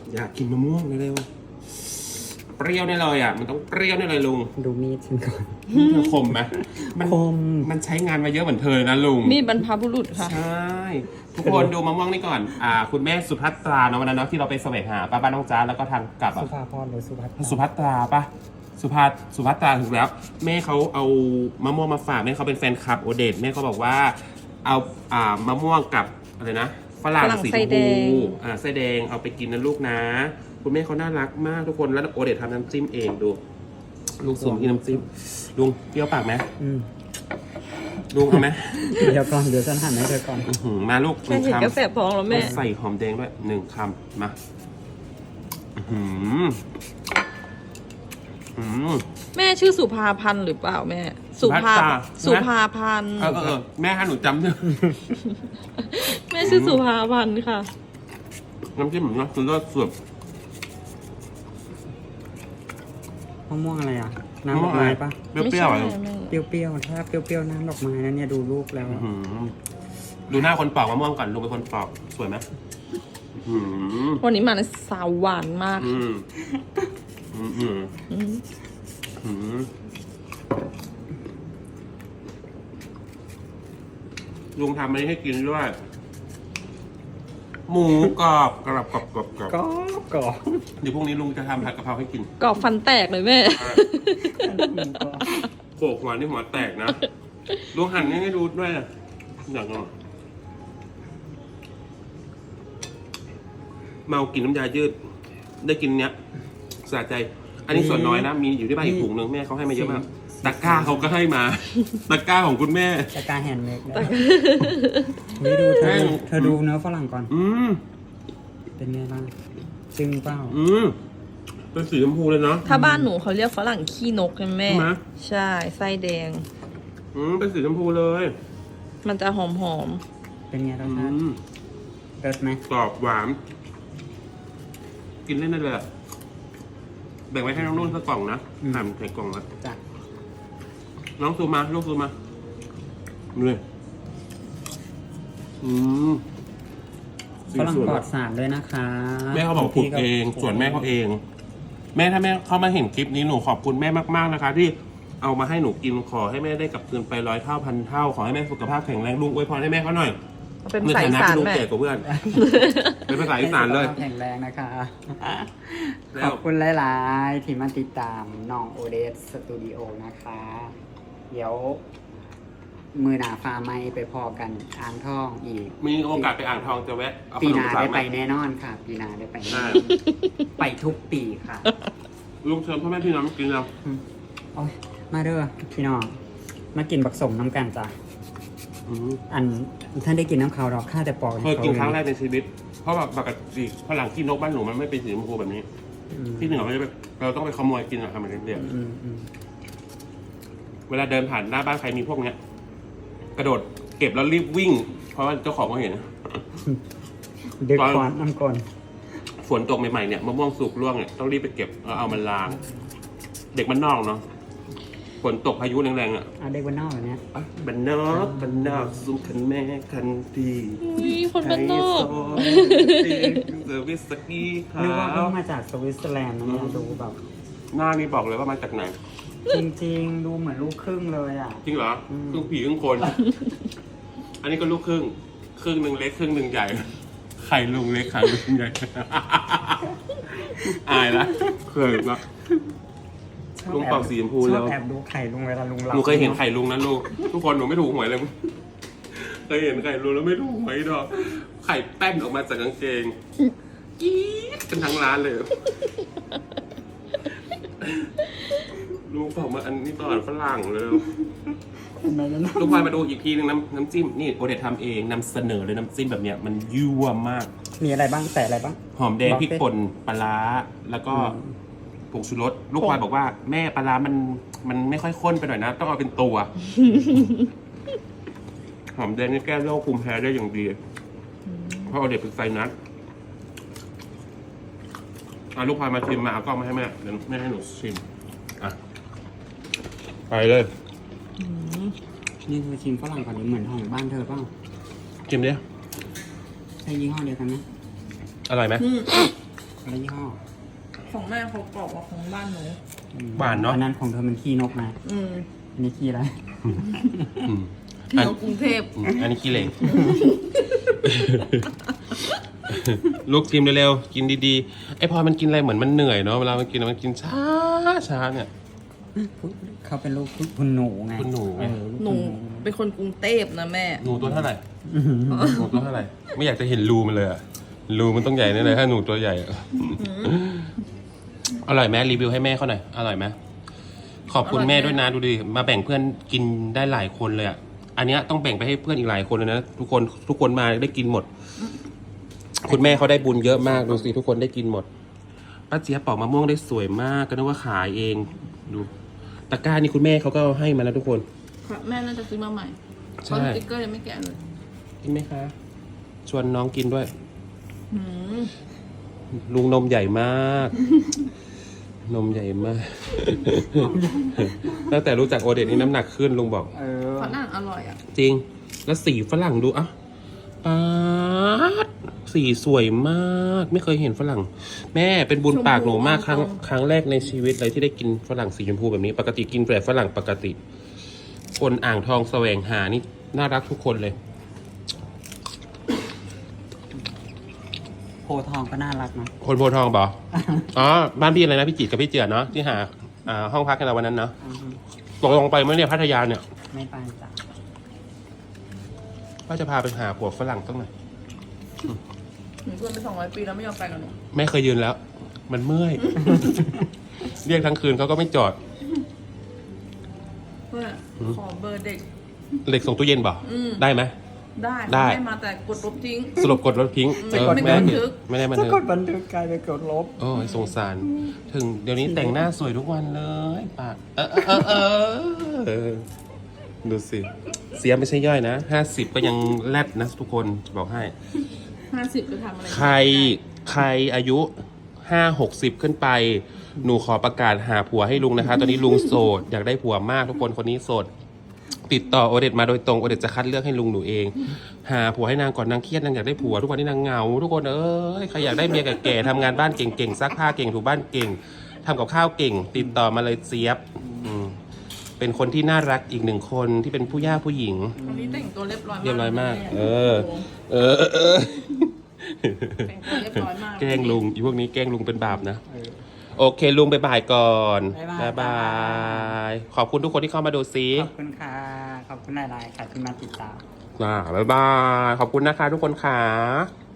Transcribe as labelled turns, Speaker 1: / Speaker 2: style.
Speaker 1: อยากกินมะม่วงเร็วๆเปรี้ยวแน่เลยอ่ะมันต้องเปรี้ยวแน่เลยลุง
Speaker 2: ดูมีดฉันก่อน
Speaker 1: เธอคมไหมมัน
Speaker 2: คม
Speaker 1: มันใช้งานมาเยอะเหมือนเธอนะลุง
Speaker 3: มีดบรรพบุรุษค่ะ
Speaker 1: ใช่ ทุกคนดูมะม่วงนี่ก่อนคุณแม่สุภัตราเนาะวันนั้นเนาะที่เราไปแสวงหาป้าบ้านน้องจ้าแล้วก็ทางกลับ
Speaker 2: สุ
Speaker 1: อ่ะ
Speaker 2: ภาพรหรือสุภัทร
Speaker 1: สุภัตราปะสุภัตราถูกแล้ว แม่เขาเอามะม่วงมาฝากแม่เขาเป็นแฟนคลับโอเดตแม่เขาบอกว่าเอามะม่วงกับอะไรนะฝรั่ง
Speaker 3: ฝรั่ง
Speaker 1: สีช
Speaker 3: ไส้
Speaker 1: ม
Speaker 3: แด
Speaker 1: พู
Speaker 3: ง
Speaker 1: ไส้แดงเอาไปกินนะลูกนะ คุณแม่เขาน่ารักมากทุกคนแล้วโอเดตทำน้ำจิ้มเองดูลุงสุ่มกินน้ำจิ้มลุงเปรี้ยวปากไหม
Speaker 2: อืม
Speaker 1: ลุงเอาไหม
Speaker 2: เดี๋ยวก่อนเดี๋ยวฉันหั่นให้เธอก่อน
Speaker 1: มาลูกห
Speaker 3: แค่
Speaker 1: นึ่ง
Speaker 3: เห็น
Speaker 1: คำ
Speaker 3: ก็แสบท้องแล้วแม่
Speaker 1: ใส่หอมแดงด้วย1 คำมา
Speaker 3: แม่ชื่อสุภาพันธ์หรือเปล่าแม่ สุภา
Speaker 1: สุภัตรา
Speaker 3: สุภาพันธ์
Speaker 1: แม่ให้หนูจำเนี่ย
Speaker 3: แม่ชื่อสุภาพันธ์ค่ะ
Speaker 1: น้ำจิ้มผมนะคือเลิศสุด
Speaker 2: มะม่วงอะไรอ่ะ น้ำดอกไม้ปะ
Speaker 1: เปรี้ยวๆอ่ะ
Speaker 3: ไม่ใช่แม่
Speaker 2: เปรี้ยวๆถ้าเปรี้ยวๆน้ำดอกไม้นะเนี่ยดูรูปแล้ว
Speaker 1: ดูหน้าคนปอกมะม่วงก่อนลุงเป็นคนปอกสวยไหม
Speaker 3: วันนี้มาในสาวหวานมาก
Speaker 1: ลุงทำอันนี้ให้กินด้วย หมูกรอบกรอบกรอบกรอบกรอบ
Speaker 2: ก็
Speaker 1: เดี๋ยวพรุ่งนี้ลุงจะทำผัดกะเพราให้กิน
Speaker 3: กรอบฟันแตกเลยแม่
Speaker 1: โขกหัวนี่หัวแตกนะลุงหั่นให้ดูด้วยนะอย่างนั้นเมากินน้ำยายืด ได้กินเนี้ยสะใจ อันนี้ส่วนน้อยนะ มีอยู่ที่บ้านอีกถุงนึงแม่เขาให้มาเยอะมาก ตะกร้าเขาก็ให้มา ตะกร้าของคุณแม่
Speaker 2: ตะกร้าแฮนด์เมดนะนี่ดูเธอดูเนื้อฝรั่งก่อน เป็นไงบ้างจึงเปล่า
Speaker 1: เป็นสีชมพูเลยเนาะ
Speaker 3: ถ้าบ้านหนูเขาเรียกฝรั่งขี้นกใช่ไหมแม่
Speaker 1: ใช่ไหม
Speaker 3: ใช่ไส้แดง
Speaker 1: เป็นสีชมพูเลย
Speaker 3: มันจะหอม
Speaker 2: เป็นไงรสชาติเลิศไหม
Speaker 1: กรอบหวาน กินเล่นได้เลยอะแบ่งไว้ให้น้องนุ่นสักกล่องนะหั่นใส่กล่องนะ
Speaker 2: จ้ะ
Speaker 1: น้องซูมาลูกซูมาเลยสี
Speaker 2: ฝรั่ง
Speaker 1: สวย
Speaker 2: ปลอ
Speaker 1: มา
Speaker 2: ด
Speaker 1: ก
Speaker 2: สารด้วยนะคะ
Speaker 1: แม่เขาบอกปลูกเอง ส่วนแม่เขาเอง แม่ถ้าแม่เขามาเห็นคลิปนี้หนูขอบคุณแม่มากๆนะคะ ที่เอามาให้หนูกินขอให้แม่ได้กลับคืนไป100 เท่าพันเท่าขอให้แม่สุขภาพแข็งแรงลุงอวยพรให้แม่เขาหน่อย
Speaker 3: ๆเอาเป็น
Speaker 1: ใน
Speaker 3: สาย
Speaker 1: ฐานะ
Speaker 3: สาร
Speaker 1: ที่ลุง
Speaker 3: แม่
Speaker 1: แก่กว่าเพื่อน เป็นภาษาอีสานเลย
Speaker 2: แข็งแรงนะคะ
Speaker 1: แล้ว
Speaker 2: ขอบคุณหลายๆที่มาติดตามน้องโอเดสสตูดิโอนะคะ เดี๋ยว มือหนาฟ้าไม่ไปพอกันอ่างทองอีก
Speaker 1: มีโอกาสไปอ่างทองจะแวะเอาข
Speaker 2: ปี
Speaker 1: น
Speaker 2: ห
Speaker 1: ม
Speaker 2: นา
Speaker 1: ฝาก
Speaker 2: ได้
Speaker 1: ไหม
Speaker 2: ไปแน่นอนค่ะ ปีหนาได้ไปแน่นอน
Speaker 1: ได้
Speaker 2: ไปทุกปีค่ะ
Speaker 1: ลุงเชิญพ่อแม่พี่น้องกินแล้ว
Speaker 2: โอ้ยมาเด้อพี่น้องมากินบักสมน้ำกันจ้ะอันท่านได้กินน้ำขาวหรอกข้าแต่ปอก
Speaker 1: เคยกินครั้งแรกในชีวิต เพราะแบบปกติฝรั่งขี้นกบ้านหนูมันไม่เป็นสีชมพูแบบนี้ ที่เหนือเราต้องไปขโมยกินอะทำมันเรียบ เวลาเดินผ่านหน้าบ้านใครมีพวกเนี้ย กระโดดเก็บแล้วรีบวิ่ง เพราะว่าเจ้าของเขาเห็น
Speaker 2: ดึกก่อนน้ำก่อน
Speaker 1: ฝนตกใหม่ๆเนี่ยมะม่วงสุกร่วงเนี่ยต้องรีบไปเก็บแล้วเอามันล้าง เด็กมันนอกเนาะฝนตกพายุแรงๆอ่ะ
Speaker 2: เอาเด็กวันนอกแบบเนี้ย
Speaker 1: บันนอกซุ่มคันแม่คันดี
Speaker 3: อุ้ยคนบ้านนอก
Speaker 1: เซอร์วิสสกีขา
Speaker 2: นึกว่าเพิ่ง
Speaker 1: ว
Speaker 2: มาจากสวิตเซอร์แลนด์นะเนี่ยดูแบบ
Speaker 1: หน้านี่บอกเลยว่ามาจากไหน
Speaker 2: จริงๆ ดูเหมือนลูกครึ่งเลยอ่ะ
Speaker 1: จริงเหรอครึ่งผีครึ่งคน อันนี้ก็ลูกครึ่ง ครึ่งหนึ่งเล็กครึ่งหนึ่งใหญ่ ไข่ลุงเล็กไข่ลุงใหญ่ อายละเคยละ ลุงเป่าสีชมพูแล้ว
Speaker 2: ชอบแอบดูไข่ลุงเวลาลุงหลับ
Speaker 1: หนูเคยเห็นไข่ลุงนะลูก ทุกคนหนูไม่ถูกหวยเลย เคยเห็นไข่ลุงแล้วไม่ถูกหวยดอก ไข่แป้นออกมาจากกางเกงกี๊ดเป็นทั้งร้านเลย ลุงบอกมาอันนี้ตอนฝรั่งเลย
Speaker 2: ทำไมนั้น
Speaker 1: ลูกพลอยมาดูอีกทีนึงน้ำจิ้มนี่โอเดตทำเองนำเสนอเลยน้ำจิ้มแบบเนี้ยมันยั่วมาก
Speaker 2: มีอะไรบ้างแต่อะไรบ้าง
Speaker 1: หอมแดงพริกป่นปลาร้าแล้วก็ผงชูรสลูกพลอยบอกว่าแม่ปลาร้ามันไม่ค่อยข้นไปหน่อยนะ ต้องเอาเป็นตัว หอมแดงนี่แก้โรคภูมิแพ้ได้อย่างดีเพราะโอเดตเป็นไซนัสลูกพลอยมาชิมมาเอากล้องมาให้แม่เดี๋ยวแม่ให้หนูชิมอ่ะไปเลย
Speaker 2: นี่คือชิมฝรั่งก่อนนี้เหมือนของบ้านเธอเปล่า
Speaker 1: ชิมดิ
Speaker 2: ใช่ยี่ห้อเดียวกันไหม
Speaker 1: อร่อยไหม
Speaker 2: อะไรยี่ห้อ
Speaker 3: ของแม่เขากรอบกว่าของบ้านหนู
Speaker 1: หวานเนาะ
Speaker 2: อันนั้นของเธอมันขี้นกนะ
Speaker 3: อืม
Speaker 2: อันนี้ขี้อะไร
Speaker 1: อืม
Speaker 3: เที่ยวกรุงเทพ
Speaker 1: อันนี้ขี้เหล็ก ลูกกินเร็วๆกินดีๆไอพอมันกินอะไรเหมือนมันเหนื่อยเนาะเวลามันกินมันกินช้าเนี่ย
Speaker 2: เขาเป็นลูกคุณหนูไง
Speaker 1: คุณหนู
Speaker 2: เออลูก
Speaker 3: หนู
Speaker 2: คุณหนู
Speaker 3: เป็นคนกรุงเทพนะแม่
Speaker 1: หนูตัวเท่าไหร่หนูตัวเท่าไหร่ไม่อยากจะเห็นรูมันเลยอะรูมันต้องใหญ่แน่เลยถ้าหนูตัวใหญ่อะอร่อยไหมรีวิวให้แม่เขาหน่อยอร่อยไหมขอบคุณแม่ด้วยนะดูดิมาแบ่งเพื่อนกินได้หลายคนเลยอะอันเนี้ยต้องแบ่งไปให้เพื่อนอีกหลายคนเลยนะทุกคนมาได้กินหมด คุณแม่เขาได้บุญเยอะมากดูสิทุกคนได้กินหมดป้าเจี๊ยบปอกมะม่วงได้สวยมากก็นึกว่าขายเองดูตะกร้านี่คุณแม่เขาก็ให้มาแล้วทุกคน
Speaker 3: แม่น่าจะซื้อมาใหม่
Speaker 1: ใช่
Speaker 3: เพราะสติ๊กเกอร์ยังไม่แกะเลย
Speaker 1: กินไหมคะ ชวนน้องกินด้วย
Speaker 3: หืม
Speaker 1: ลุงนมใหญ่มาก นมใหญ่มาก ตั้งแต่รู้จักโอเดตนี่น้ำหนักขึ้นลุงบอก
Speaker 2: เออ
Speaker 3: ฝรั่งอร่อยอ่ะ
Speaker 1: จริง แล้วสีฝรั่งดูอ่ะป๊าดสีสวยมาก ไม่เคยเห็นฝรั่ง แม่เป็นบุญปากหนูมากครั้งแรกในชีวิตเลยที่ได้กินฝรั่งสีชมพูแบบนี้ ปกติกินแต่ฝรั่งปกติ คนอ่างทองแสวงหานี่น่ารักทุกคนเลย
Speaker 2: โพธิ์ทองก็น่ารักเนอะ
Speaker 1: คนโพธิ์ทองบอ อ๋อ บ้านพี่อะไรนะพี่จิตรกับพี่เจือเนาะที่หาห้องพักกันเราวันนั้นเนาะ
Speaker 2: อือฮึ
Speaker 1: ตกลงไปเมื่อเนี่ยพัทยาเนี่ย
Speaker 2: ไม่ไปจ้ะ
Speaker 1: ว่าจะพาไปหาผัวฝรั่งตั้งหน่อย
Speaker 3: หนูเพื่อนไป200 ปีแล้วไม่ยอมไปกับหนู
Speaker 1: แม่เคยยืนแล้ว มันเมื่อย เรียกทั้งคืนเขาก็ไม่จอด
Speaker 3: เพื่อขอเบอร์เด็ก
Speaker 1: เหล็กส่งตู้เย็นบ่
Speaker 3: อืม
Speaker 1: ได้ไหม
Speaker 3: ได้
Speaker 1: ได้
Speaker 3: ให้มาแต่กดลบทิ้ง
Speaker 1: สรุปกดรถทิ้ง
Speaker 3: ไม่กด
Speaker 1: ไม่ได้
Speaker 3: บันทึก
Speaker 1: ไม่ได้บัน
Speaker 2: ถ้า
Speaker 1: ทึก
Speaker 2: กดบันทึกกลายเป็นกดลบ
Speaker 1: โอ้ยสงสาร ถึงเดี๋ยวนี้แต่งหน้าสวยทุกวันเลยปากเออดูสิ เสียไม่ใช่ย่อยนะ50ก็ยังแรดนะทุกคนจะบอกให้
Speaker 3: 50จะทำอะไร
Speaker 1: ใครอายุ50-60ขึ้นไป หนูขอประกาศหาผัวให้ลุงนะคะ ตอนนี้ลุงโสด อยากได้ผัวมากทุกคนคนนี้โสด ติดต่อโอเดตมาโดยตรงโอเดตจะคัดเลือกให้ลุงหนูเอง หาผัวให้นางก่อนนางเครียดนางอยากได้ผัวทุกวันนี้นางเหงาทุกคนเอ้ยใครอยากได้เมียแก่ๆทำงานบ้านเก่งๆซักผ้าเก่งถูบ้านเก่งทำกับข้าวเก่ง ติดต่อมาเลยเสียบเป็นคนที่น่ารักอีกหนึ่งคนที่เป็นผู้ย่าผู้หญิง
Speaker 3: วันนี้แต่งตัวเรียบร้อยมาก
Speaker 1: เรียบร้อยมาก
Speaker 3: แ
Speaker 1: เออ
Speaker 3: แต่งตัวเรียบร้อยมาก
Speaker 1: แกล้งลุงอีพวกนี้แกล้งลุงเป็นบาปนะ โอเคลุงไปบ่ายก่อน
Speaker 2: บ๊ายบาย
Speaker 1: ขอบคุณทุกคนที่เข้ามาดูซิ
Speaker 2: ขอบคุณค่ะ ขอบคุณหลายๆค่ะที่มาติดตาม
Speaker 1: บ๊ายบาย ขอบคุณนะคะทุกคนค่ะ